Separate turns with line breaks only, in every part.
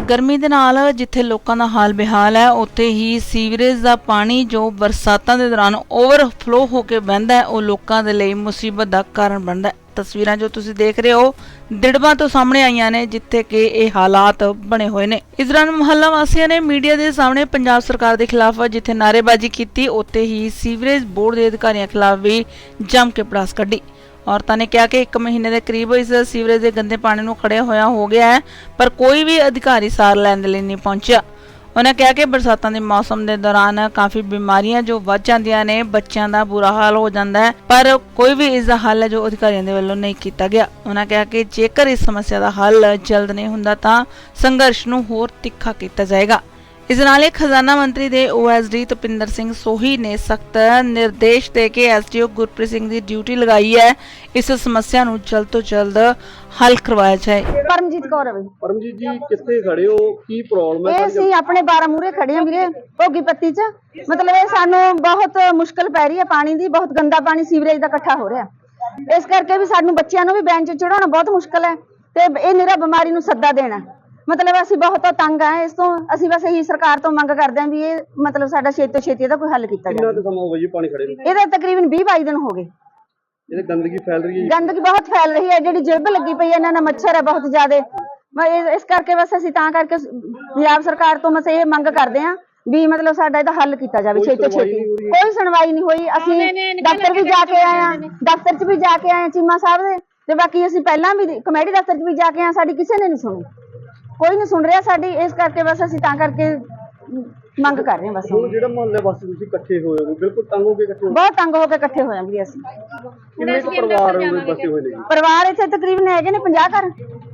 गर्मी दे नाल जिथे लोकां दा हाल बेहाल है उत्थे ही सीवरेज का पानी जो बरसातां दे दौरान ओवरफ्लो होकर बहंदा है वो लोकां दे लई मुसीबत का कारण बनदा है। तस्वीरां जो तुसीं देख रहे हो दिड़बा तो सामने आईयां ने जिथे कि ये हालात बने हुए ने। इस दौरान मुहल्ला वासियों ने मीडिया के सामने पंजाब सरकार के खिलाफ जिथे नारेबाजी की उत्थे ही सीवरेज बोर्ड के अधिकारियों खिलाफ भी जम के पड़ास कढ़ी। औरतां ने कहा कि 1 महीने के करीब इस सीवरेज के गंदे पानी नूं खड़िया होया हो गया है पर कोई भी अधिकारी सार लैण लई नहीं पहुंचा। उन्होंने कहा कि बरसातां दे मौसम के दौरान काफ़ी बीमारियां जो वध जांदियां ने, बच्चों का बुरा हाल हो जाता है पर कोई भी इसका हल है जो अधिकारियों के वल्लों नहीं किया गया। उन्होंने कहा कि जेकर इस समस्या का हल जल्द नहीं हुंदा तां संघर्ष नूं होर तिखा किया जाएगा। इस नाल खजाना मंत्री दे OSD तपिंदर सिंह सोही ने सख्त निर्देश दे के SDO गुरप्रीत सिंह की ड्यूटी लगाई है इस समस्या नूं जल्द तो जल्द हल करवाया जाए।
परमजीत कौर है।
परमजीत जी कित्थे खड़े हो, की प्रॉब्लम है?
ਅਸੀਂ ਆਪਣੇ 12 ਮੂਰੇ ਖੜੇ ਹਾਂ ਵੀਰੇ ਭੋਗੀ ਪੱਤੀ 'ਚ। ਮਤਲਬ ਇਹ ਸਾਨੂੰ ਬਹੁਤ ਮੁਸ਼ਕਲ ਪੈ ਰਹੀ ਹੈ, ਪਾਣੀ ਦੀ ਬਹੁਤ ਗੰਦਾ ਪਾਣੀ ਸੀਵਰੇਜ ਦਾ ਇਕੱਠਾ ਹੋ ਰਿਹਾ। ਇਸ ਕਰਕੇ ਵੀ ਸਾਨੂੰ ਬੱਚਿਆਂ ਨੂੰ ਵੀ ਬੈਂਚ ਚੜਾਉਣਾ ਬਹੁਤ ਮੁਸ਼ਕਲ ਹੈ ਤੇ ਇਹ ਨਿਰਾ ਬਿਮਾਰੀ ਨੂੰ ਸੱਦਾ ਦੇਣਾ। मतलब ਅਸੀਂ ਬਹੁਤ ਤੰਗ ਆ ਇਸ ਤੋਂ। ਅਸੀਂ ਬਸ ਇਹੀ ਸਰਕਾਰ ਤੋਂ ਮੰਗ ਕਰਦੇ ਆਂ ਵੀ ਇਹ ਮਤਲਬ ਸਾਡਾ ਛੇਤੀ ਤੋਂ ਛੇਤੀ ਇਹਦਾ ਕੋਈ ਹੱਲ ਕੀਤਾ ਜਾਵੇ।
ਕਿੰਨਾ ਸਮਾਂ ਹੋ ਗਿਆ ਜੀ ਪਾਣੀ ਖੜੇ ਨੂੰ?
ਇਹਦਾ ਤਕਰੀਬਨ 20-22 ਦਿਨ ਹੋ ਗਏ।
ਇਹ ਗੰਦਗੀ ਫੈਲ ਰਹੀ ਹੈ ਜੀ।
ਗੰਦਗੀ ਬਹੁਤ ਫੈਲ ਰਹੀ ਹੈ, ਜਿਹੜੀ ਜਿਲਬ ਲੱਗੀ ਪਈ ਹੈ, ਇਹਨਾਂ ਨਾਲ ਮੱਛਰ ਹੈ ਬਹੁਤ ਜ਼ਿਆਦੇ। ਇਸ ਕਰਕੇ ਬਸ ਅਸੀਂ ਤਾਂ ਕਰਕੇ ਪੰਜਾਬ ਸਰਕਾਰ ਤੋਂ ਬਸ ਇਹ ਮੰਗ ਕਰਦੇ ਆਂ ਵੀ ਮਤਲਬ ਸਾਡਾ ਇਹਦਾ ਹੱਲ ਕੀਤਾ ਜਾਵੇ ਛੇਤੀ ਤੋਂ ਛੇਤੀ। ਕੋਈ ਸੁਣਵਾਈ ਨਹੀਂ ਹੋਈ। ਅਸੀਂ ਦਫ਼ਤਰ ਵੀ ਜਾ ਕੇ ਆਏ ਆਂ, ਦਫ਼ਤਰ 'ਚ ਵੀ ਜਾ ਕੇ ਆਏ ਚੀਮਾ ਸਾਹਿਬ ਦੇ ਤੇ ਬਾਕੀ ਅਸੀਂ ਪਹਿਲਾਂ ਵੀ ਕਮੇਟੀ ਦਫ਼ਤਰ 'ਚ ਵੀ ਜਾ ਕੇ ਆਏ, ਸਾਡੀ ਕਿਸੇ ਨੇ ਨਹੀਂ ਸੁਣੀ, ਕੋਈ ਨਹੀਂ ਸੁਣ ਰਿਹਾ ਸਾਡੀ। ਇਸ ਕਰਕੇ ਬਸ ਅਸੀਂ ਤਾਂ ਕਰਕੇ ਮੰਗ ਕਰ ਰਹੇ ਹਾਂ। ਬਸ
ਹੁਣ ਜਿਹੜਾ ਮੁਹੱਲੇ ਵਾਸੀ ਤੁਸੀਂ ਇਕੱਠੇ ਹੋਏ ਹੋ, ਬਿਲਕੁਲ ਤੰਗ ਹੋ ਕੇ ਇਕੱਠੇ ਹੋ?
ਬਹੁਤ ਤੰਗ ਹੋ ਕੇ ਇਕੱਠੇ ਹੋ ਜਾਂਗੇ ਅਸੀਂ।
ਕਿੰਨੇ ਕੁ ਪਰਿਵਾਰ ਬਸੇ ਹੋਏ ਨੇ ਜੀ?
ਪਰਿਵਾਰ ਇੱਥੇ ਤਕਰੀਬਨ ਹੈਗੇ ਨੇ 50 ਘਰ।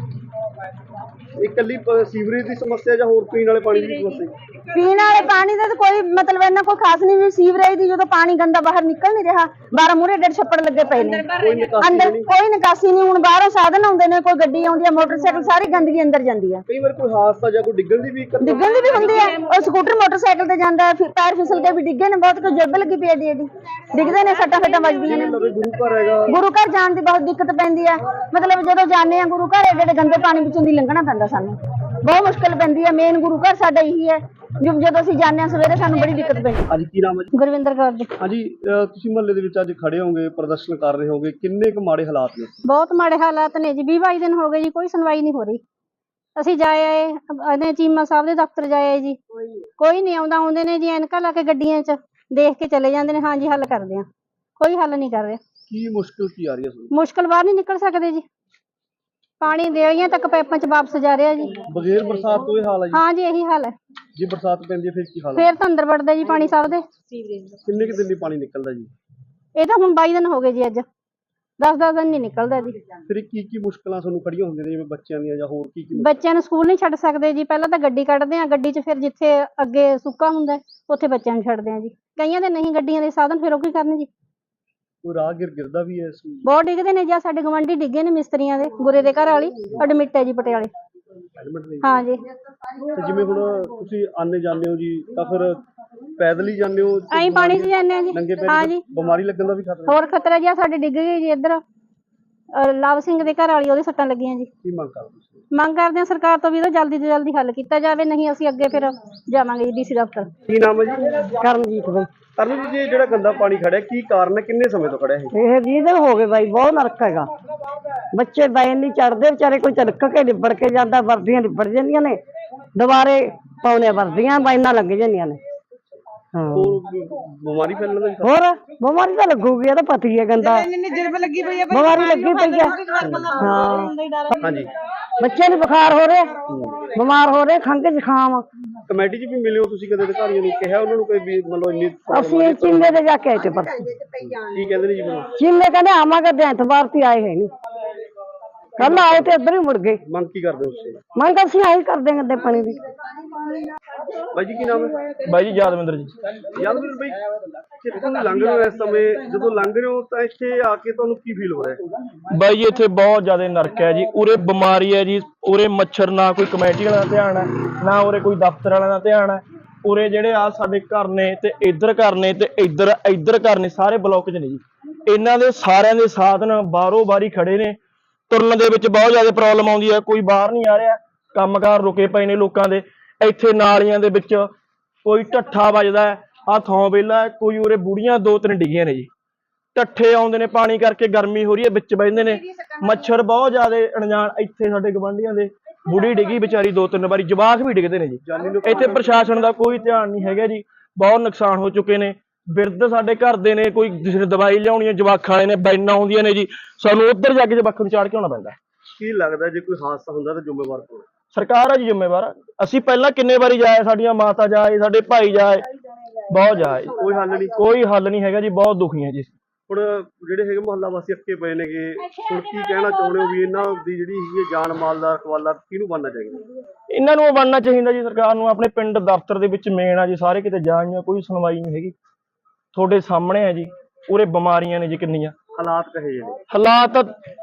ਇਕੱਲੀ ਸੀਵਰੇਜ ਦੀ ਸਮੱਸਿਆ ਜਾਂ ਹੋਰ ਪੀਣ ਵਾਲੇ ਪਾਣੀ ਦੀ ਸਮੱਸਿਆ?
ਪੀਣ ਵਾਲੇ ਪਾਣੀ ਦਾ ਤਾਂ ਕੋਈ ਮਤਲਬ ਇਹਨਾਂ ਕੋਈ ਖਾਸ ਨਹੀਂ। ਵੀ ਸੀਵਰੇਜ ਦੀ ਜਦੋਂ ਪਾਣੀ ਗੰਦਾ ਬਾਹਰ ਨਿਕਲ ਨਹੀਂ ਰਿਹਾ, 12 ਮੂਰੇ ਡੇਢ ਛੱਪੜ ਲੱਗੇ ਪਏ ਨੇ, ਅੰਦਰ ਕੋਈ ਨਿਕਾਸੀ ਨਹੀਂ। ਹੁਣ ਬਾਹਰੋਂ ਸਾਧਨ ਆਉਂਦੇ ਨੇ, ਕੋਈ ਗੱਡੀ ਆਉਂਦੀ ਹੈ, ਮੋਟਰਸਾਈਕਲ, ਸਾਰੀ ਗੰਦਗੀ ਅੰਦਰ ਜਾਂਦੀ ਹੈ।
ਕਈ ਵਾਰ ਕੋਈ ਹਾਦਸਾ ਜਾਂ ਕੋਈ ਡਿੱਗਣ ਦੀ ਵੀ
ਹੁੰਦੀ ਹੈ। ਉਹ ਸਕੂਟਰ ਮੋਟਰਸਾਈਕਲ ਤੇ ਜਾਂਦਾ, ਫਿਰ ਪੈਰ ਫਿਸਲ ਕੇ ਵੀ ਡਿੱਗੇ ਨੇ, ਬਹੁਤ ਕੋਈ ਜੱਬ ਲੱਗੀ ਪਈ ਹੈ ਜੀ। ਡਿੱਗਦੇ ਨੇ, ਸੱਟਾਂ ਵੱਜਦੀਆਂ ਨੇ।
ਗੁਰੂ ਘਰ ਹੈਗਾ, ਗੁਰੂ
ਘਰ ਜਾਣ ਦੀ ਬਹੁਤ ਦਿੱਕਤ ਪੈਂਦੀ ਹੈ। ਮਤਲਬ ਜਦੋਂ ਜਾਂਦੇ ਆ ਗੁਰੂ ਘਰ ਜਿਹੜੇ ਗੰਦੇ ਪਾਣੀ ਵਿੱਚੋਂ ਦੀ ਲੰਘਣਾ ਪੈਂਦਾ ਸਾਨੂੰ, ਬਹੁਤ ਮੁਸ਼ਕਲ ਪੈਂਦੀ ਹੈ। ਮੇਨ ਗੁਰੂ ਘਰ ਸਾਡਾ ਇਹੀ ਹੈ, ਜਦੋਂ ਅਸੀਂ ਜਾਂਦੇ ਹਾਂ ਸਵੇਰੇ ਸਾਨੂੰ ਬੜੀ ਦਿੱਕਤ ਪੈਂਦੀ ਹੈ।
ਹਾਂਜੀ, ਕੀ ਨਾਮ ਹੈ ਜੀ?
ਗੁਰਵਿੰਦਰ ਕੌਰ ਜੀ।
ਹਾਂਜੀ, ਤੁਸੀਂ ਮੁਹੱਲੇ ਦੇ ਵਿੱਚ ਅੱਜ ਖੜੇ ਹੋਗੇ, ਪ੍ਰਦਰਸ਼ਨ ਕਰ ਰਹੇ ਹੋਗੇ, ਕਿੰਨੇ ਕੁ ਮਾੜੇ ਹਾਲਾਤ ਨੇ?
ਬਹੁਤ ਮਾੜੇ ਹਾਲਾਤ ਨੇ ਜੀ। 20-22 ਦਿਨ ਹੋ ਗਏ ਜੀ, ਕੋਈ ਸੁਣਵਾਈ ਨਹੀਂ ਹੋ ਰਹੀ। ਅਸੀਂ ਜਾਏ ਆਏ ਚੀਮਾ ਸਾਹਿਬ ਦੇ ਦਫ਼ਤਰ ਜਾਏ ਜੀ, ਕੋਈ ਨਹੀਂ ਆਉਂਦਾ। ਆਉਂਦੇ ਨੇ ਜੀ ਐਨਕਾਂ ਲਾ ਕੇ ਗੱਡੀਆਂ 'ਚ, ਦੇਖ ਕੇ ਚਲੇ ਜਾਂਦੇ ਨੇ, ਹਾਂਜੀ ਹੱਲ ਕਰਦੇ ਆ, ਕੋਈ ਹੱਲ ਨਹੀਂ ਕਰ ਰਿਹਾ।
ਕੀ ਮੁਸ਼ਕਲ ਕੀ ਆ ਰਹੀ ਹੈ?
ਮੁਸ਼ਕਲ ਬਾਹਰ ਨਹੀਂ ਨਿਕਲ ਸਕਦੇ ਜੀ, ਪਾਣੀ ਦੇਲੀਆਂ ਤੱਕ ਪਾਈਪਾਂ 'ਚ ਵਾਪਸ ਜਾ ਰਿਹਾ ਜੀ।
ਬਗੈਰ ਬਰਸਾਤ ਤੋਂ ਇਹ ਹਾਲ ਹੈ ਜੀ?
ਹਾਂ ਜੀ, ਇਹੀ ਹਾਲ ਹੈ।
ਜੇ ਬਰਸਾਤ ਪੈਂਦੀ ਹੈ ਫਿਰ ਕੀ ਹਾਲ ਹੈ?
ਫਿਰ ਤਾਂ ਅੰਦਰ ਵੜਦਾ ਜੀ ਪਾਣੀ ਸਾਹਿਬ ਦੇ।
ਕਿੰਨੇ ਕੁ ਦਿਨ ਲਈ ਪਾਣੀ ਨਿਕਲਦਾ ਜੀ?
ਇਹ ਤਾਂ ਹੁਣ 22 ਦਿਨ ਹੋ ਗਏ ਜੀ, ਅੱਜ 10-10 ਦਿਨ ਨਹੀਂ ਨਿਕਲਦਾ ਜੀ।
ਫਿਰ ਕੀ ਮੁਸ਼ਕਲਾਂ ਤੁਹਾਨੂੰ ਖੜੀਆਂ ਹੁੰਦੀਆਂ ਨੇ, ਜਿਵੇਂ ਬੱਚਿਆਂ ਦੀਆਂ ਜਾਂ ਹੋਰ ਕੀ?
ਬੱਚਿਆਂ ਨੂੰ ਸਕੂਲ ਨਹੀਂ ਛੱਡ ਸਕਦੇ ਜੀ। ਪਹਿਲਾਂ ਤਾਂ ਗੱਡੀ ਕੱਢਦੇ ਆ, ਗੱਡੀ 'ਚ ਫਿਰ ਜਿੱਥੇ ਅੱਗੇ ਸੁੱਕਾ ਹੁੰਦਾ ਉੱਥੇ ਬੱਚਿਆਂ ਨੂੰ ਛੱਡਦੇ ਆ ਜੀ। ਕਈਆਂ ਦੇ ਨਹੀਂ ਗੱਡੀਆਂ ਦੇ ਸਾਧਨ, ਫਿਰ ਉਹ ਕੀ ਕਰਨ ਜੀ?
ਕੋਈ ਰਾਹਗੀਰ ਗਿਰਦਾ ਵੀ ਹੈ?
ਬਹੁਤ ਡਿੱਗਦੇ ਨੇ ਜੀ। ਸਾਡੇ ਗਵਾਂਢੀ ਡਿੱਗੇ ਨੇ ਮਿਸਤਰੀਆਂ ਦੇ, ਗੁਰੇ ਦੇ ਘਰ ਵਾਲੀ ਐਡਮਿਟ ਹੈ ਜੀ ਪਟਿਆਲੇ। ਹਾਂ ਜੀ।
ਜਿਵੇਂ ਹੁਣ ਤੁਸੀਂ ਆਨੇ ਜਾਂਦੇ ਹੋ ਜੀ, ਤਾਂ ਫਿਰ ਪੈਦਲ ਹੀ ਜਾਂਦੇ ਹੋ?
ਐਂ ਪਾਣੀ 'ਚ ਜਾਂਦੇ ਆ ਜੀ। ਹਾਂ ਜੀ,
ਬਿਮਾਰੀ ਲੱਗਣ ਦਾ ਵੀ ਖਤਰਾ?
ਹੋਰ ਖਤਰਾ ਜੀ। ਸਾਡੇ ਡਿੱਗ ਗਏ ਜੀ ਇੱਧਰ ਲਾਭ ਸਿੰਘ ਦੇ ਘਰ ਵਾਲੀ, ਉਹਦੇ ਸੱਟਾਂ ਲੱਗੀਆਂ ਜੀ।
ਕੀ ਮੰਗ ਕਰਦੇ?
ਮੰਗ ਕਰਦੇ ਆ ਸਰਕਾਰ ਤੋਂ ਵੀ ਇਹਦਾ ਜਲਦੀ ਤੋਂ ਜਲਦੀ ਹੱਲ ਕੀਤਾ ਜਾਵੇ, ਨਹੀਂ ਅਸੀਂ ਅੱਗੇ ਫਿਰ ਜਾਵਾਂਗੇ ਜੀ DC ਦਫ਼ਤਰ।
ਕੀ ਨਾਮ ਹੈ ਜੀ?
ਕਰਮਜੀਤ ਬਾਈ।
ਕਰਮਜੀਤ ਜੀ, ਜਿਹੜਾ ਗੰਦਾ ਪਾਣੀ ਖੜਿਆ ਕੀ ਕਾਰਨ ਹੈ, ਕਿੰਨੇ ਸਮੇਂ ਤੋਂ ਖੜਿਆ ਹੈ?
ਇਹ 20 ਦਿਨ ਹੋ ਗਏ ਬਾਈ, ਬਹੁਤ ਨਰਕ ਹੈਗਾ। ਬੱਚੇ ਬੈਨ ਨਹੀਂ ਚੜਦੇ ਵਿਚਾਰੇ, ਕੋਈ ਤਿਲਕ ਕੇ ਲਿਬੜ ਕੇ ਜਾਂਦਾ, ਵਰਦੀਆਂ ਲਿਬੜ ਜਾਂਦੀਆਂ ਨੇ, ਦੁਬਾਰੇ ਪਾਉਣੇ ਵਰਦੀਆਂ ਬਾਈਨਾਂ ਲੱਗ ਜਾਂਦੀਆਂ ਨੇ।
ਹੋਰ ਬਿਮਾਰੀ ਫੈਲਣ ਦਾ?
ਹੋਰ ਬਿਮਾਰੀ ਤਾਂ ਲੱਗੂਗੀ, ਇਹ ਤਾਂ ਪਤਾ ਹੀ ਹੈ। ਗੰਦਾ ਬਿਮਾਰੀ ਲੱਗੀ ਪਈ ਹੈ। ਹਾਂ
ਹਾਂਜੀ,
ਬੱਚੇ ਨੂੰ ਬੁਖਾਰ ਹੋ ਰਿਹਾ, ਬਿਮਾਰ ਹੋ ਰਹੇ, ਖੰਘ ਜ਼ੁਕਾਮ।
ਕਮੇਟੀ 'ਚ ਵੀ ਮਿਲੇ ਹੋ ਤੁਸੀਂ ਕਦੇ? ਅਧਿਕਾਰੀਆਂ ਨੂੰ ਕਿਹਾ ਉਹਨਾਂ ਨੂੰ ਕੋਈ ਵੀ ਮਤਲਬ ਇੰਨੀ?
ਅਸੀਂ ਚੀਮੇ ਤੇ ਜਾ ਕੇ ਆਏ ਤੇ ਪਰ
ਕੀ ਕਹਿੰਦੇ ਨੇ ਜੀ?
ਚੀਮੇ ਕਹਿੰਦੇ ਆਵਾਂਗੇ ਤੇ ਐਤਵਾਰ ਤੇ ਆਏ ਹੈ ਨਹੀਂ, ਕੱਲ ਆਏ ਤੇ ਇੱਧਰ ਹੀ ਮੁੜ ਗਏ।
ਮੰਗ ਕੀ ਕਰਦੇ ਹੋ ਤੁਸੀਂ?
ਮੰਗ ਅਸੀਂ ਆਹੀ ਕਰਦੇ ਹਾਂ ਗੰਦੇ ਪਾਣੀ ਦੀ।
ਬਾਈ ਜੀ, ਕੀ ਨਾਮ ਹੈ?
ਬਾਈ ਜੀ ਯਾਦਵਿੰਦਰ ਜੀ।
ਯਾਦਵਿੰਦਰ ਬਾਈ, ਕਿੱਥੋਂ ਦੀ ਲੰਘ ਰਹੇ ਹੋ ਇਸ ਸਮੇਂ? ਜਦੋਂ ਲੰਘ ਰਹੇ ਹੋ ਤਾਂ ਇੱਥੇ ਆ ਕੇ ਤੁਹਾਨੂੰ ਕੀ ਫੀਲ ਹੋ ਰਿਹਾ ਹੈ?
ਬਾਈ ਜੀ ਇੱਥੇ ਬਹੁਤ ਜ਼ਿਆਦਾ ਨਰਕ ਹੈ ਜੀ। ਉਰੇ ਬਿਮਾਰੀ ਹੈ ਜੀ, ਉਰੇ ਮੱਛਰ, ਨਾ ਕੋਈ ਕਮੇਟੀ ਵਾਲਾ ਦਾ ਧਿਆਨ ਹੈ, ਨਾ ਉਰੇ ਕੋਈ ਦਫ਼ਤਰ ਵਾਲਿਆਂ ਦਾ ਧਿਆਨ ਹੈ। ਉਰੇ ਜਿਹੜੇ ਆ ਸਾਡੇ ਘਰ ਨੇ ਤੇ ਇੱਧਰ ਘਰ ਨੇ ਤੇ ਇੱਧਰ ਘਰ ਨੇ, ਸਾਰੇ ਬਲੋਕ 'ਚ ਨੇ ਜੀ। ਇਹਨਾਂ ਦੇ ਸਾਰਿਆਂ ਦੇ ਸਾਧਨ ਬਾਹਰੋਂ ਬਾਰੀ ਖੜੇ ਨੇ, ਤੁਰਨ ਦੇ ਵਿੱਚ ਬਹੁਤ ਜ਼ਿਆਦਾ ਪ੍ਰੋਬਲਮ ਆਉਂਦੀ ਹੈ। ਕੋਈ ਬਾਹਰ ਨਹੀਂ ਆ ਰਿਹਾ, ਕੰਮਕਾਰ ਰੁਕੇ ਪਏ ਨੇ ਲੋਕਾਂ ਦੇ। ਇੱਥੇ ਨਾਲੀਆਂ ਦੇ ਵਿੱਚ ਕੋਈ ਢੱਠਾ ਵੱਜਦਾ ਹੈ, ਆਹ ਥਾਂ ਵਿਹਲਾ ਹੈ, ਕੋਈ ਉਰੇ ਬੁੜੀਆਂ 2-3 ਡਿੱਗੀਆਂ ਨੇ ਜੀ। ਢੱਠੇ ਆਉਂਦੇ ਨੇ ਪਾਣੀ ਕਰਕੇ, ਗਰਮੀ ਹੋ ਰਹੀ ਹੈ, ਵਿੱਚ ਬਹਿੰਦੇ ਨੇ, ਮੱਛਰ ਬਹੁਤ ਜ਼ਿਆਦਾ ਅਣਜਾਣ। ਇੱਥੇ ਸਾਡੇ ਗਵਾਂਢੀਆਂ ਦੇ ਬੁੜੀ ਡਿੱਗੀ ਵਿਚਾਰੀ 2-3 ਵਾਰੀ, ਜਵਾਕ ਵੀ ਡਿੱਗਦੇ ਨੇ ਜੀ। ਇੱਥੇ ਪ੍ਰਸ਼ਾਸਨ ਦਾ ਕੋਈ ਧਿਆਨ ਨਹੀਂ ਹੈਗਾ ਜੀ। ਬਹੁਤ ਨੁਕਸਾਨ ਹੋ ਚੁੱਕੇ ਨੇ। ਬਿਰਧ ਸਾਡੇ ਘਰ ਦੇ ਨੇ, ਕੋਈ ਕਿਸੇ ਨੇ ਦਵਾਈ ਲਿਆਉਣੀ ਹੈ, ਜਵਾਕਾਂ ਵਾਲੇ ਨੇ ਬੈਨਾਂ ਆਉਂਦੀਆਂ ਨੇ ਜੀ, ਸਾਨੂੰ ਉੱਧਰ ਜਾ ਕੇ ਜਵਾਕਾਂ ਨੂੰ ਚਾੜ ਕੇ ਆਉਣਾ ਪੈਂਦਾ।
ਕੀ ਲੱਗਦਾ ਜੇ ਕੋਈ ਹਾਦਸਾ ਹੁੰਦਾ ਤਾਂ ਜ਼ਿੰਮੇਵਾਰ ਕੌਣ?
ਸਰਕਾਰ ਆ ਜੀ ਜ਼ਿੰਮੇਵਾਰ। ਅਸੀਂ ਪਹਿਲਾਂ ਕਿੰਨੇ ਵਾਰੀ ਜਾਏ, ਸਾਡੀਆਂ ਮਾਤਾ ਜਾਏ, ਸਾਡੇ ਭਾਈ ਜਾਏ, ਬਹੁਤ ਜਾਏ,
ਕੋਈ ਹੱਲ ਨਹੀਂ।
ਕੋਈ ਹੱਲ ਨਹੀਂ ਹੈਗਾ ਜੀ। ਬਹੁਤ ਦੁਖੀ ਹਾਂ ਜੀ।
ਹੁਣ ਜਿਹੜੇ ਹੈਗੇ ਮੁਹੱਲਾ ਵਾਸੀ ਅੱਕੇ ਪਏ ਨੇਗੇ, ਹੁਣ ਕੀ ਕਹਿਣਾ ਚਾਹੁੰਦੇ ਹੋ ਵੀ ਇਹਨਾਂ ਦੀ ਜਿਹੜੀ ਹੈਗੀ ਹੈ ਜਾਨ ਮਾਲ ਦਾ ਰਖਵਾਲਾ ਕਿਹਨੂੰ ਬਣਨਾ ਚਾਹੀਦਾ?
ਇਹਨਾਂ ਨੂੰ ਬਣਨਾ ਚਾਹੀਦਾ ਜੀ ਸਰਕਾਰ ਨੂੰ। ਆਪਣੇ ਪਿੰਡ ਦਫ਼ਤਰ ਦੇ ਵਿੱਚ ਮੇਨ ਆ ਜੀ, ਸਾਰੇ ਕਿਤੇ ਜਾਈਆਂ, ਕੋਈ ਸੁਣਵਾਈ ਨਹੀਂ ਹੈਗੀ। ਤੁਹਾਡੇ ਸਾਹਮਣੇ ਆ ਜੀ, ਉਰੇ ਬਿਮਾਰੀਆਂ ਨੇ ਜੀ ਕਿੰਨੀਆਂ।
ਹਾਲਾਤ ਕਹੇ ਜਿਹੇ ਨੇ?
ਹਾਲਾਤ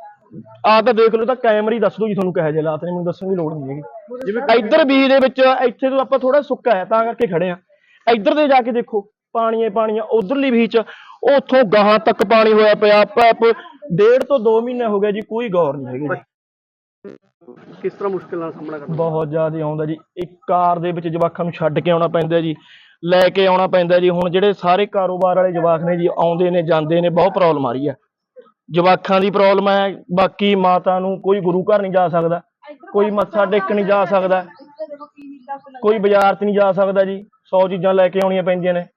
ਤਾਂ ਦੇਖ ਲਓ, ਤਾਂ ਕੈਮਰੇ ਹੀ ਦੱਸ ਦੋ ਜੀ ਤੁਹਾਨੂੰ ਕਿਹੋ ਜਿਹੇ ਹਾਲਾਤ ਨੇ, ਮੈਨੂੰ ਦੱਸਣ ਦੀ ਲੋੜ ਨਹੀਂ ਹੈਗੀ। ਜਿਵੇਂ ਇੱਧਰ ਬੀਜ ਦੇ ਵਿੱਚ, ਇੱਥੇ ਤੋਂ ਆਪਾਂ ਥੋੜਾ ਸੁੱਕਾ ਹੈ ਤਾਂ ਕਰਕੇ ਖੜੇ ਆ। ਇੱਧਰ ਦੇ ਜਾ ਕੇ ਦੇਖੋ, ਪਾਣੀ ਆ। ਉਧਰਲੀ ਬੀਚ ਉੱਥੋਂ ਗਾਹਾਂ ਤੱਕ ਪਾਣੀ ਹੋਇਆ ਪਿਆ। ਪੈਪ 1.5 ਤੋਂ 2 ਮਹੀਨੇ ਹੋ ਗਏ ਜੀ, ਕੋਈ ਗੌਰ ਨਹੀਂ ਹੈਗੀ ਜੀ।
ਕਿਸ ਤਰ੍ਹਾਂ ਮੁਸ਼ਕਿਲ ਨਾਲ ਸਾਹਮਣਾ ਕਰਨਾ?
ਬਹੁਤ ਜ਼ਿਆਦਾ ਆਉਂਦਾ ਜੀ। ਇੱਕ ਕਾਰ ਦੇ ਵਿੱਚ ਜਵਾਕਾਂ ਨੂੰ ਛੱਡ ਕੇ ਆਉਣਾ ਪੈਂਦਾ ਜੀ, ਲੈ ਕੇ ਆਉਣਾ ਪੈਂਦਾ ਜੀ। ਹੁਣ ਜਿਹੜੇ ਸਾਰੇ ਕਾਰੋਬਾਰ ਵਾਲੇ ਜਵਾਕ ਨੇ ਜੀ, ਆਉਂਦੇ ਨੇ ਜਾਂਦੇ ਨੇ, ਬਹੁਤ ਪ੍ਰੋਬਲਮ ਆ ਰਹੀ ਹੈ। ਜਵਾਕਾਂ ਦੀ ਪ੍ਰੋਬਲਮ ਹੈ। ਬਾਕੀ ਮਾਤਾ ਨੂੰ ਕੋਈ ਗੁਰੂ ਘਰ ਨਹੀਂ ਜਾ ਸਕਦਾ, ਕੋਈ ਮੱਥਾ ਟੇਕਣ ਨਹੀਂ ਜਾ ਸਕਦਾ, ਕੋਈ ਬਾਜ਼ਾਰ 'ਚ ਨਹੀਂ ਜਾ ਸਕਦਾ ਜੀ। 100 ਚੀਜ਼ਾਂ ਲੈ ਕੇ ਆਉਣੀਆਂ ਪੈਂਦੀਆਂ ਨੇ।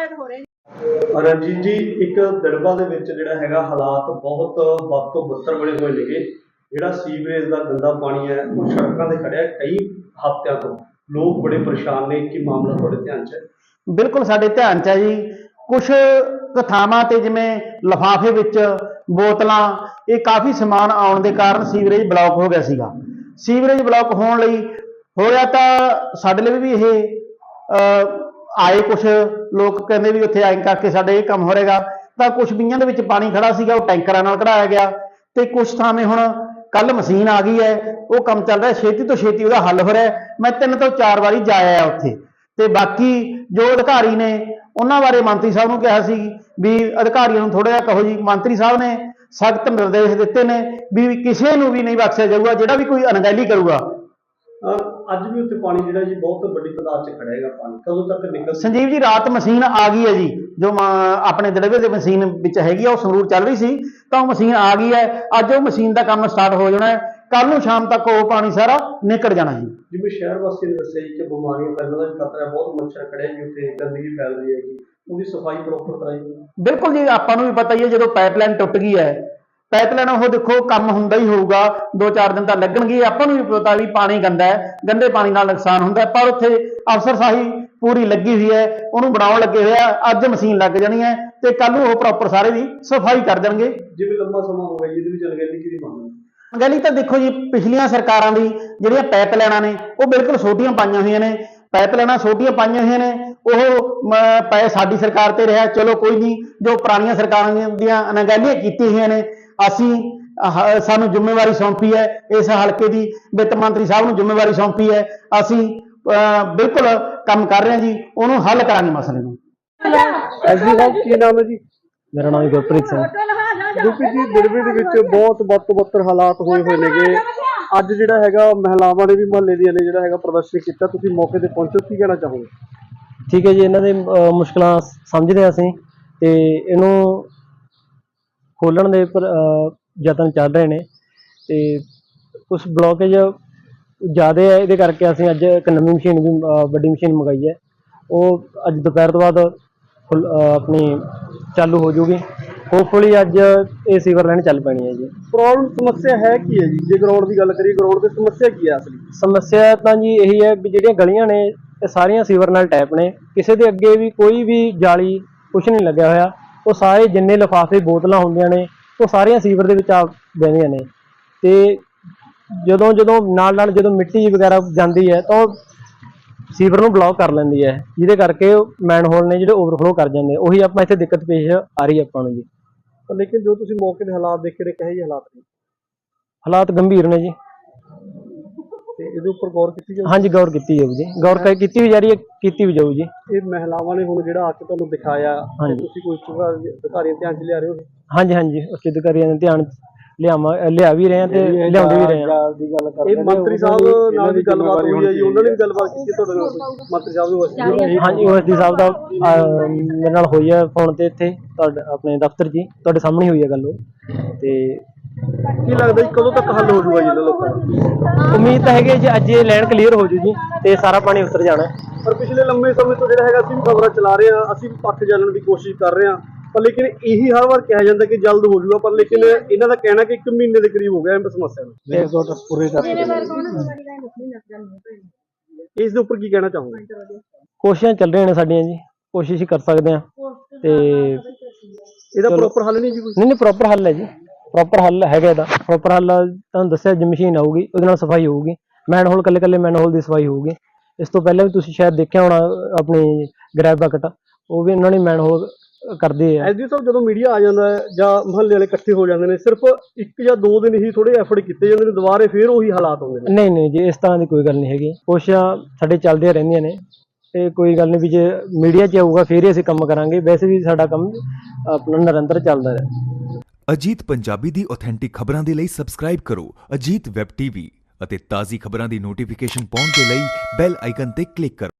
ਰਣਜੀਤ ਜੀ, ਇੱਕ ਦਿੜਬਾ ਦੇ ਵਿੱਚ ਜਿਹੜਾ ਹੈਗਾ ਹਾਲਾਤ ਬਹੁਤ ਵੱਧ ਤੋਂ ਬੱਤਰ ਬਣੇ ਹੋਏ ਨੇਗੇ। ਜਿਹੜਾ ਸੀਵਰੇਜ ਦਾ ਗੰਦਾ ਪਾਣੀ ਹੈ ਉਹ ਸੜਕਾਂ ਤੇ ਖੜਿਆ ਕਈ ਹਫ਼ਤਿਆਂ ਤੋਂ। ਲੋਕ ਬੜੇ ਪਰੇਸ਼ਾਨ ਨੇ। ਕੀ ਮਾਮਲਾ ਤੁਹਾਡੇ ਧਿਆਨ 'ਚ ਹੈ?
ਬਿਲਕੁਲ ਸਾਡੇ ਧਿਆਨ 'ਚ ਹੈ ਜੀ। ਕੁਛ ਥਾਵਾਂ ਤੇ ਜਿਵੇਂ ਲਿਫਾਫੇ ਵਿੱਚ ਬੋਤਲਾਂ, ਇਹ ਕਾਫੀ ਸਮਾਨ ਆਉਣ ਦੇ ਕਾਰਨ ਸੀਵਰੇਜ ਬਲੌਕ ਹੋ ਗਿਆ ਸੀਗਾ। ਸੀਵਰੇਜ ਬਲੌਕ ਹੋਣ ਲਈ ਹੋਇਆ ਤਾਂ ਸਾਡੇ ਲਈ ਵੀ ਇਹ ਆਏ ਕੁਛ ਲੋਕ, ਕਹਿੰਦੇ ਵੀ ਉੱਥੇ ਐਂ ਕਰਕੇ ਸਾਡੇ ਇਹ ਕੰਮ ਹੋ ਰਿਹਾ। ਤਾਂ ਕੁਛ ਬੀਆਂ ਦੇ ਵਿੱਚ ਪਾਣੀ ਖੜਾ ਸੀਗਾ, ਉਹ ਟੈਂਕਰਾਂ ਨਾਲ ਕਢਾਇਆ ਗਿਆ। ਤੇ ਕੁਛ ਥਾਵੇਂ ਹੁਣ ਕੱਲ ਮਸ਼ੀਨ ਆ ਗਈ ਹੈ, ਉਹ ਕੰਮ ਚੱਲ ਰਿਹਾ, ਛੇਤੀ ਤੋਂ ਛੇਤੀ ਉਹਦਾ ਹੱਲ ਹੋ ਰਿਹਾ। ਮੈਂ 3 ਤੋਂ 4 ਵਾਰੀ ਜਾ ਆਇਆ ਉੱਥੇ। ਤੇ ਬਾਕੀ ਜੋ ਅਧਿਕਾਰੀ ਨੇ ਉਹਨਾਂ ਬਾਰੇ ਮੰਤਰੀ ਸਾਹਿਬ ਨੂੰ ਕਿਹਾ ਸੀ ਵੀ ਅਧਿਕਾਰੀਆਂ ਨੂੰ ਥੋੜਾ ਜਿਹਾ ਕਹੋ ਜੀ। ਮੰਤਰੀ ਸਾਹਿਬ ਨੇ ਸਖਤ ਨਿਰਦੇਸ਼ ਦਿੱਤੇ ਨੇ ਵੀ ਕਿਸੇ ਨੂੰ ਵੀ ਨਹੀਂ ਬਖਸ਼ਿਆ ਜਾਊਗਾ ਜਿਹੜਾ ਵੀ ਕੋਈ ਅਣਗਹਿਲੀ ਕਰੂਗਾ।
ਅੱਜ ਵੀ ਉੱਥੇ ਪਾਣੀ ਜਿਹੜਾ ਜੀ ਬਹੁਤ ਵੱਡੀ ਤਾਦਾਦ 'ਚ ਖੜਿਆ ਹੈਗਾ। ਪਾਣੀ ਕਦੋਂ ਤੱਕ ਨਿਕਲ?
ਸੰਜੀਵ ਜੀ, ਰਾਤ ਮਸ਼ੀਨ ਆ ਗਈ ਹੈ ਜੀ, ਜੋ ਆਪਣੇ ਦਿੜਵੇ ਦੇ ਮਸ਼ੀਨ ਵਿੱਚ ਹੈਗੀ ਆ, ਉਹ ਸੰਗਰੂਰ ਚੱਲ ਰਹੀ ਸੀ ਤਾਂ ਉਹ ਮਸ਼ੀਨ ਆ ਗਈ ਹੈ। ਅੱਜ ਉਹ ਮਸ਼ੀਨ ਦਾ ਕੰਮ ਸਟਾਰਟ ਹੋ ਜਾਣਾ ਹੈ। ਕੱਲ ਨੂੰ ਸ਼ਾਮ ਤੱਕ ਉਹ ਪਾਣੀ ਸਾਰਾ ਨਿਕਲ ਜਾਣਾ ਜੀ।
ਜਿਵੇਂ ਸ਼ਹਿਰ ਵਾਸੀਆਂ ਨੇ ਦੱਸਿਆ ਜੀ ਕਿ ਬਿਮਾਰੀਆਂ ਫੈਲਣ ਦਾ ਵੀ ਖਤਰਾ ਹੈ, ਬਹੁਤ ਮੱਛਰ ਖੜਿਆ ਜੀ ਉੱਥੇ, ਗੰਦਗੀ ਫੈਲ ਰਹੀ ਹੈਗੀ, ਉਹਦੀ ਸਫਾਈ ਪ੍ਰੋਪਰ ਕਰਾਈ?
ਬਿਲਕੁਲ ਜੀ, ਆਪਾਂ ਨੂੰ ਵੀ ਪਤਾ ਹੀ ਹੈ ਜਦੋਂ ਪਾਈਪਲਾਈਨ ਟੁੱਟ ਗਈ ਹੈ, ਪਾਈਪਲਾਈਨ ਉਹ ਦੇਖੋ ਕੰਮ ਹੁੰਦਾ ਹੀ ਹੋਊਗਾ, 2-4 ਦਿਨ ਤਾਂ ਲੱਗਣਗੇ। ਆਪਾਂ ਨੂੰ ਵੀ ਪਤਾ ਵੀ ਪਾਣੀ ਗੰਦਾ ਹੈ, ਗੰਦੇ ਪਾਣੀ ਨਾਲ ਨੁਕਸਾਨ ਹੁੰਦਾ, ਪਰ ਉੱਥੇ ਅਫਸਰਸ਼ਾਹੀ ਪੂਰੀ ਲੱਗੀ ਹੋਈ ਹੈ, ਉਹਨੂੰ ਬਣਾਉਣ ਲੱਗੇ ਹੋਇਆ। ਅੱਜ ਮਸ਼ੀਨ ਲੱਗ ਜਾਣੀ ਹੈ ਤੇ ਕੱਲ ਨੂੰ ਉਹ ਪ੍ਰੋਪਰ ਸਾਰੇ ਦੀ ਸਫਾਈ ਕਰ ਦੇਣਗੇ।
ਜਿਵੇਂ ਲੰਬਾ ਸਮਾਂ ਹੋ ਗਿਆ ਜੀ, ਇਹਦੇ ਵਿੱਚ ਅਣਗਹਿਲੀ ਕਿਹਦੀ ਮੰਗ ਹੈ?
ਅਣਗਹਿਲੀ ਤਾਂ ਦੇਖੋ ਜੀ, ਪਿਛਲੀਆਂ ਸਰਕਾਰਾਂ ਦੀ ਜਿਹੜੀਆਂ ਪਾਈਪਲਾਈਨਾਂ ਨੇ ਉਹ ਬਿਲਕੁਲ ਛੋਟੀਆਂ ਪਾਈਆਂ ਹੋਈਆਂ ਨੇ। ਪਾਈਪਲਾਈਨਾਂ ਛੋਟੀਆਂ ਪਾਈਆਂ ਹੋਈਆਂ ਨੇ, ਉਹ ਪੈ ਸਾਡੀ ਸਰਕਾਰ ਤੇ ਰਿਹਾ। ਚਲੋ ਕੋਈ ਨਹੀਂ, ਜੋ ਪੁਰਾਣੀਆਂ ਸਰਕਾਰਾਂ ਦੀਆਂ ਅਣਗਹਿਲੀਆਂ ਕੀਤੀਆਂ ਹੋਈਆਂ ਨੇ, ਸਾਨੂੰ ਜ਼ਿੰਮੇਵਾਰੀ ਸੌਂਪੀ ਹੈ ਇਸ ਹਲਕੇ ਦੀ, ਵਿੱਤ ਮੰਤਰੀ ਸਾਹਿਬ ਨੂੰ ਜ਼ਿੰਮੇਵਾਰੀ ਸੌਂਪੀ ਹੈ। ਅਸੀਂ ਬਿਲਕੁਲ ਕੰਮ ਕਰ ਰਹੇ ਹਾਂ ਜੀ, ਉਹਨੂੰ ਹੱਲ ਕਰਾਂਗੇ ਮਸਲੇ ਨੂੰ।
ਐਸਡੀ ਸਾਹਿਬ, ਕੀ ਨਾਮ ਹੈ ਜੀ?
ਮੇਰਾ ਨਾਮ ਗੁਰਪ੍ਰੀਤ ਸਿੰਘ।
ਗੁਰਪ੍ਰੀਤ ਜੀ, ਦਿੜਬੇ ਦੇ ਵਿੱਚ ਬਹੁਤ ਵੱਧ ਤੋਂ ਬੱਤਰ ਹਾਲਾਤ ਹੋਏ ਹੋਏ ਨੇਗੇ। ਅੱਜ ਜਿਹੜਾ ਹੈਗਾ ਮਹਿਲਾਵਾਂ ਨੇ ਵੀ ਮੁਹੱਲੇ ਦੀਆਂ ਨੇ ਜਿਹੜਾ ਹੈਗਾ ਪ੍ਰਦਰਸ਼ਨ ਕੀਤਾ, ਤੁਸੀਂ ਮੌਕੇ ਤੇ ਪਹੁੰਚੋ, ਕੀ ਕਹਿਣਾ ਚਾਹੋਗੇ?
ਠੀਕ ਹੈ ਜੀ, ਇਹਨਾਂ ਦੇ ਮੁਸ਼ਕਲਾਂ ਸਮਝਦੇ ਹਾਂ ਅਸੀਂ, ਤੇ ਇਹਨੂੰ ਖੋਲਣ ਦੇ ਯਤਨ ਚੱਲ ਰਹੇ ਨੇ। ਤੇ ਕੁਛ ਬਲੋਕੇਜ ਜ਼ਿਆਦਾ ਹੈ, ਇਹਦੇ ਕਰਕੇ ਅਸੀਂ ਅੱਜ ਇੱਕ ਨਵੀਂ ਮਸ਼ੀਨ ਵੀ, ਵੱਡੀ ਮਸ਼ੀਨ ਮੰਗਾਈ ਹੈ। ਉਹ ਅੱਜ ਦੁਪਹਿਰ ਤੋਂ ਬਾਅਦ ਆਪਣੀ ਚਾਲੂ ਹੋ ਜੂਗੀ। ਹੋਪਫੁਲੀ ਅੱਜ ਇਹ ਸੀਵਰ ਲਾਈਨ ਚੱਲ ਪੈਣੀ ਹੈ ਜੀ।
ਪ੍ਰੋਬਲਮ ਸਮੱਸਿਆ ਹੈ ਕੀ ਹੈ ਜੀ? ਜੇ ਗਰਾਊਂਡ ਦੀ ਗੱਲ ਕਰੀਏ, ਗਰਾਊਂਡ ਦੀ ਸਮੱਸਿਆ ਕੀ ਹੈ ਅਸਲੀ?
ਸਮੱਸਿਆ ਤਾਂ ਜੀ ਇਹੀ ਹੈ ਵੀ ਜਿਹੜੀਆਂ ਗਲੀਆਂ ਨੇ ਇਹ ਸਾਰੀਆਂ ਸੀਵਰ ਨਾਲ ਟੈਪ ਨੇ। ਕਿਸੇ ਦੇ ਅੱਗੇ ਵੀ ਕੋਈ ਵੀ ਜਾਲੀ ਕੁਛ ਨਹੀਂ ਲੱਗਿਆ ਹੋਇਆ। ਉਹ ਸਾਰੇ ਜਿੰਨੇ ਲਿਫਾਫੇ ਬੋਤਲਾਂ ਹੁੰਦੀਆਂ ਨੇ ਉਹ ਸਾਰੀਆਂ ਸੀਵਰ ਦੇ ਵਿੱਚ ਆ ਬਹਿੰਦੀਆਂ ਨੇ। ਤੇ ਜਦੋਂ ਨਾਲ ਜਦੋਂ ਮਿੱਟੀ ਵਗੈਰਾ ਜਾਂਦੀ ਹੈ ਤਾਂ ਉਹ ਸੀਵਰ ਨੂੰ ਬਲੌਕ ਕਰ ਲੈਂਦੀ ਹੈ, ਜਿਹਦੇ ਕਰਕੇ ਮੈਨਹੋਲ ਨੇ ਜਿਹੜੇ ਓਵਰਫਲੋ ਕਰ ਜਾਂਦੇ। ਉਹੀ ਆਪਾਂ ਇੱਥੇ ਦਿੱਕਤ ਪੇਸ਼ ਆ ਰਹੀ ਆਪਾਂ ਨੂੰ ਜੀ।
ਲੇਕਿਨ ਜੋ ਤੁਸੀਂ ਮੌਕੇ ਦੇ ਹਾਲਾਤ ਦੇਖੇ ਨੇ, ਕਹੇ ਜਿਹੇ ਹਾਲਾਤ ਨੇ?
ਹਾਲਾਤ ਗੰਭੀਰ ਨੇ ਜੀ।
ਤੇ ਇਹਦੇ ਉੱਪਰ ਗੌਰ ਕੀਤੀ ਜਾਊ?
ਹਾਂਜੀ, ਗੌਰ ਕੀਤੀ ਜਾਊ ਜੀ, ਗੌਰ ਕੀਤੀ ਵੀ ਜਾ ਰਹੀ ਹੈ, ਕੀਤੀ ਵੀ ਜਾਊ ਜੀ।
ਇਹ ਮਹਿਲਾਵਾਂ ਨੇ ਹੁਣ ਜਿਹੜਾ ਆ ਕੇ ਤੁਹਾਨੂੰ ਦਿਖਾਇਆ, ਤੁਸੀਂ ਕੋਈ ਅਧਿਕਾਰੀਆਂ ਧਿਆਨ 'ਚ ਲਿਆ ਰਹੇ ਹੋ?
ਹਾਂਜੀ, ਉੱਚ ਅਧਿਕਾਰੀਆਂ ਦੇ ਧਿਆਨ ਲਿਆ ਵੀ ਰਹੇ ਹਾਂ ਤੇ ਲਿਆਉਂਦੇ ਵੀ ਰਹੇ ਹਾਂ।
ਇਹ ਮੰਤਰੀ ਸਾਹਿਬ ਨਾਲ ਵੀ ਗੱਲਬਾਤ ਹੋਈ ਹੈ ਜੀ, ਉਹਨਾਂ ਨੇ ਵੀ ਗੱਲਬਾਤ ਕੀਤੀ ਤੁਹਾਡੇ ਨਾਲ? ਮੰਤਰੀ ਸਾਹਿਬ ਨੂੰ
ਹਾਂਜੀ OSD ਸਾਹਿਬ ਦਾ ਮੇਰੇ ਨਾਲ ਹੋਈ ਹੈ ਫੋਨ ਤੇ, ਇੱਥੇ ਤੁਹਾਡੇ ਆਪਣੇ ਦਫ਼ਤਰ 'ਚ ਹੀ ਤੁਹਾਡੇ ਸਾਹਮਣੇ ਹੋਈ ਹੈ ਗੱਲ ਉਹ। ਤੇ
ਕੀ ਲੱਗਦਾ ਜੀ ਕਦੋਂ ਤੱਕ ਹੱਲ ਹੋ ਜਾਊਗਾ ਜੀ ਇਹਨਾਂ ਲੋਕਾਂ ਦਾ?
ਉਮੀਦ ਤਾਂ ਹੈਗੀ ਜੀ ਅੱਜ ਇਹ ਲਾਈਨ ਕਲੀਅਰ ਹੋ ਜੂ ਜੀ ਤੇ ਸਾਰਾ ਪਾਣੀ ਉਤਰ ਜਾਣਾ।
ਪਰ ਪਿਛਲੇ ਲੰਮੇ ਸਮੇਂ ਤੋਂ ਜਿਹੜਾ ਹੈਗਾ ਅਸੀਂ ਵੀ ਖਬਰਾਂ ਚਲਾ ਰਹੇ ਹਾਂ, ਅਸੀਂ ਵੀ ਪੱਖ ਜਾਣਨ ਦੀ ਕੋਸ਼ਿਸ਼ ਕਰ ਰਹੇ ਹਾਂ, ਪਰ ਲੇਕਿਨ ਇਹੀ ਹਰ ਵਾਰ ਕਿਹਾ ਜਾਂਦਾ ਕਿ ਜਲਦ ਹੋ ਜਾਊਗਾ, ਪਰ ਲੇਕਿਨ ਇਹਨਾਂ ਦਾ ਕਹਿਣਾ ਕਿ 1 ਮਹੀਨੇ ਦੇ ਕਰੀਬ ਹੋ ਗਿਆ ਇਹ ਸਮੱਸਿਆ ਨੂੰ। ਇਸ ਦੇ ਉੱਪਰ ਕੀ ਕਹਿਣਾ ਚਾਹੋਗੇ?
ਕੋਸ਼ਿਸ਼ਾਂ ਚੱਲ ਰਹੀਆਂ ਨੇ ਸਾਡੀਆਂ ਜੀ, ਕੋਸ਼ਿਸ਼ ਹੀ ਕਰ ਸਕਦੇ ਹਾਂ। ਤੇ
ਇਹਦਾ ਪ੍ਰੋਪਰ ਹੱਲ ਨਹੀਂ ਜੀ ਕੋਈ?
ਨਹੀਂ ਪ੍ਰੋਪਰ ਹੱਲ ਹੈ ਜੀ, ਪ੍ਰੋਪਰ ਹੱਲ ਹੈਗਾ ਇਹਦਾ। ਪ੍ਰੋਪਰ ਹੱਲ ਤੁਹਾਨੂੰ ਦੱਸਿਆ ਜੀ, ਮਸ਼ੀਨ ਆਊਗੀ ਉਹਦੇ ਨਾਲ ਸਫਾਈ ਹੋਊਗੀ, ਮੈਨਹੋਲ ਕੱਲੇ ਮੈਨਹੋਲ ਦੀ ਸਫਾਈ ਹੋਊਗੀ। ਇਸ ਤੋਂ ਪਹਿਲਾਂ ਵੀ ਤੁਸੀਂ ਸ਼ਾਇਦ ਦੇਖਿਆ ਹੋਣਾ ਆਪਣੀ ਗ੍ਰੈਬ ਬਕਟ, ਉਹ ਵੀ ਇਹਨਾਂ ਨੇ ਮੈਨਹੋਲ ਕਰਦੇ ਆ।
ਐਸਡੀ ਸਾਹਿਬ ਜਦੋਂ ਮੀਡੀਆ ਆ ਜਾਂਦਾ ਹੈ ਜਾਂ ਮੁਹੱਲੇ ਵਾਲੇ ਇਕੱਠੇ ਹੋ ਜਾਂਦੇ ਨੇ, ਸਿਰਫ 1 ਜਾਂ 2 ਦਿਨ ਹੀ ਥੋੜੇ ਐਫਰਟ ਕੀਤੇ ਜਾਂਦੇ ਨੇ, ਦੁਬਾਰੇ ਫੇਰ ਉਹੀ ਹਾਲਾਤ ਹੁੰਦੇ ਨੇ।
ਨਹੀਂ ਜੀ, ਇਸ ਤਰ੍ਹਾਂ ਦੀ ਕੋਈ ਗੱਲ ਨਹੀਂ ਹੈਗੀ। ਕੋਸ਼ਿਸ਼ਾਂ ਸਾਡੇ ਚੱਲਦੀਆਂ ਰਹਿੰਦੀਆਂ ਨੇ, ਤੇ ਕੋਈ ਗੱਲ ਨਹੀਂ ਵੀ ਜੇ ਮੀਡੀਆ 'ਚ ਆਊਗਾ ਫੇਰ ਹੀ ਅਸੀਂ ਕੰਮ ਕਰਾਂਗੇ। ਵੈਸੇ ਵੀ ਸਾਡਾ ਕੰਮ ਆਪਣਾ ਨਿਰੰਤਰ ਚੱਲਦਾ ਹੈ।
ਅਜੀਤ ਪੰਜਾਬੀ ਦੀ ਆਥੈਂਟਿਕ ਖਬਰਾਂ ਦੇ ਲਈ ਸਬਸਕ੍ਰਾਈਬ ਕਰੋ ਅਜੀਤ ਵੈਬ ਟੀਵੀ ਅਤੇ ਤਾਜ਼ੀ ਖਬਰਾਂ ਦੀ ਨੋਟੀਫਿਕੇਸ਼ਨ ਪਾਉਣ ਦੇ ਲਈ ਬੈਲ ਆਈਕਨ ਤੇ ਕਲਿੱਕ ਕਰੋ।